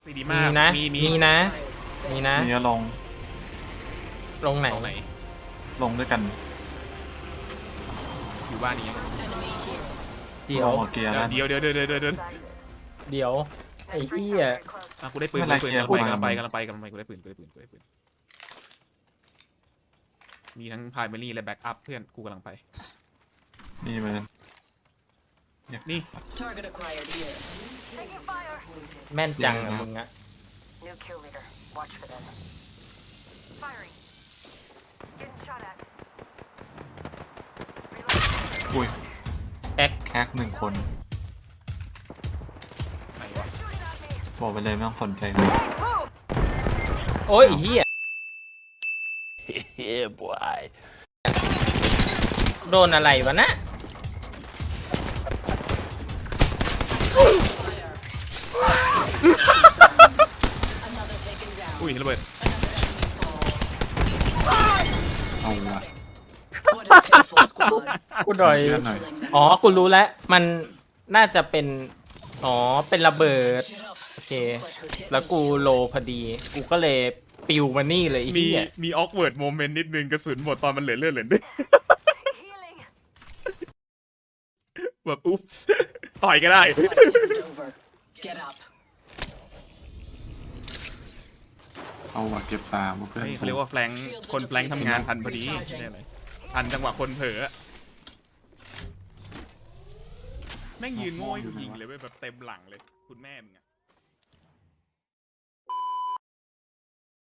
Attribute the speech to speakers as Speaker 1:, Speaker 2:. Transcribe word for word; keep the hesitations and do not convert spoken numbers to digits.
Speaker 1: ซีดีมาก
Speaker 2: นะ
Speaker 1: มีมี
Speaker 2: มีนะมีนะ
Speaker 3: นี่ลง
Speaker 2: ลงไหน
Speaker 1: ตรงไหน
Speaker 3: ลงด้วยกัน
Speaker 1: อยู่บ้านนี้
Speaker 2: เดี๋ยว
Speaker 3: ลงหัวเกียร์แล้ว
Speaker 1: เดี๋ยวเดี๋ยวเดี๋ยวเดี๋ยวเดี๋ยวเดี๋ยว
Speaker 2: เดี๋ยวไอ้เหี้ย
Speaker 1: อ่ะกูได้ปืน
Speaker 3: ไม่
Speaker 1: กู
Speaker 3: เป็นไร
Speaker 1: ได้ปืน
Speaker 3: เกียร์
Speaker 1: กำลังไป
Speaker 3: กู
Speaker 1: กำลังไปกำลังไปกำลังไปกูได้ปืนกูได้ปืนกูได้ปืนมีทั้งพายเมลี่และแบ็กอัพเพื่อนกูกำลังไป
Speaker 3: นี่มัน
Speaker 1: นี่
Speaker 4: Target acquired here.
Speaker 5: Taking fire.
Speaker 2: แม่นจังอะมึงอะ
Speaker 5: New kill leader. Watch for them. Firing. Getting shot at.
Speaker 3: อุ้ย
Speaker 2: แอ็ก
Speaker 3: แคกหนึ่งคน
Speaker 1: ไหนวะ
Speaker 5: Shooting at me.
Speaker 3: บอกไปเลยไม่ต้องสนใจเลย
Speaker 5: Boom.
Speaker 2: โอ้ยไอ้เหี้ย
Speaker 6: Yeah, boy.
Speaker 2: โดนอะไรวะนะ
Speaker 4: Another taken down.
Speaker 1: อุ้ยระเบิด
Speaker 3: เอาละ
Speaker 4: What a pitiful squad.
Speaker 2: กูดอย
Speaker 3: เลื่อนหน่อย
Speaker 2: อ๋อกูรู้แล้วมันน่าจะเป็นอ๋อเป็นระเบิดโอเค แล้วกูโลพอดี กูก็เลยปิวมานี่เลยไอ้
Speaker 1: มี
Speaker 2: เหี้ย
Speaker 1: มีออกเวิร์ดโมเมนต์นิดนึงกระสุนหมดตอนมันเหลือเลือดเหลือเลือด
Speaker 5: Healing.
Speaker 1: แบบอุ๊ปส์ต่อยก็ได้
Speaker 4: Fight isn't over. Get up.
Speaker 3: เอาว่ะเก็บสามเพื่อน
Speaker 1: เฮ้ยเขาเรียกว่าแฟลงก์คนแฟลงก์ทำงานทันพอดีได้ไหมทันจังหวะคนเผลอแม่งยืนโง่ให้กูยิงเลยเว้ยแบบเต็มหลังเลยคุณแม่มึงอะ